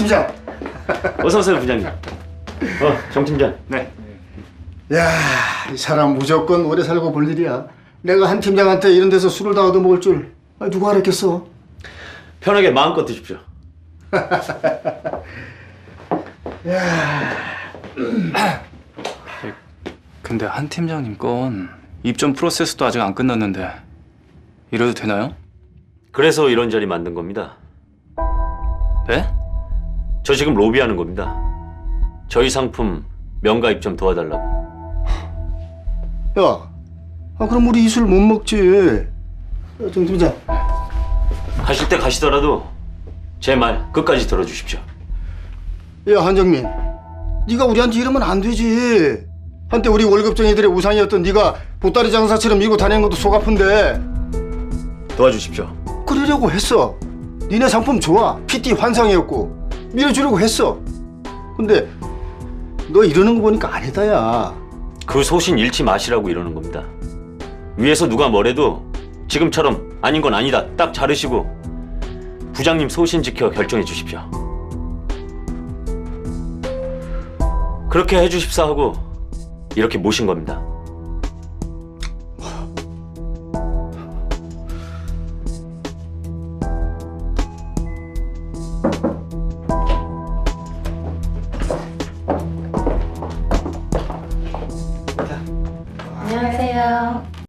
팀장. 어서 오세요, 부장님. 정 팀장. 네. 야, 이 사람 무조건 오래 살고 볼 일이야. 내가 한 팀장한테 이런 데서 술을 다 얻어먹을 줄 누가 알았겠어? 편하게 마음껏 드십시오. 근데 한 팀장님 건 입점 프로세스도 아직 안 끝났는데 이래도 되나요? 그래서 이런 자리 만든 겁니다. 네? 저 지금 로비하는 겁니다. 저희 상품 명가 입점 도와달라고. 야, 그럼 우리 이 술 못 먹지. 정 팀장. 가실 때 가시더라도 제 말 끝까지 들어주십시오. 야, 한정민. 네가 우리한테 이러면 안 되지. 한때 우리 월급쟁이들의 우상이었던 네가 보따리 장사처럼 밀고 다니는 것도 속 아픈데. 도와주십시오. 그러려고 했어. 니네 상품 좋아. PT 환상이었고 밀어주려고 했어. 근데 너 이러는 거 보니까 아니다, 야. 그 소신 잃지 마시라고 이러는 겁니다. 위에서 누가 뭐래도 지금처럼 아닌 건 아니다 딱 자르시고 부장님 소신 지켜 결정해 주십시오. 그렇게 해주십사 하고 이렇게 모신 겁니다.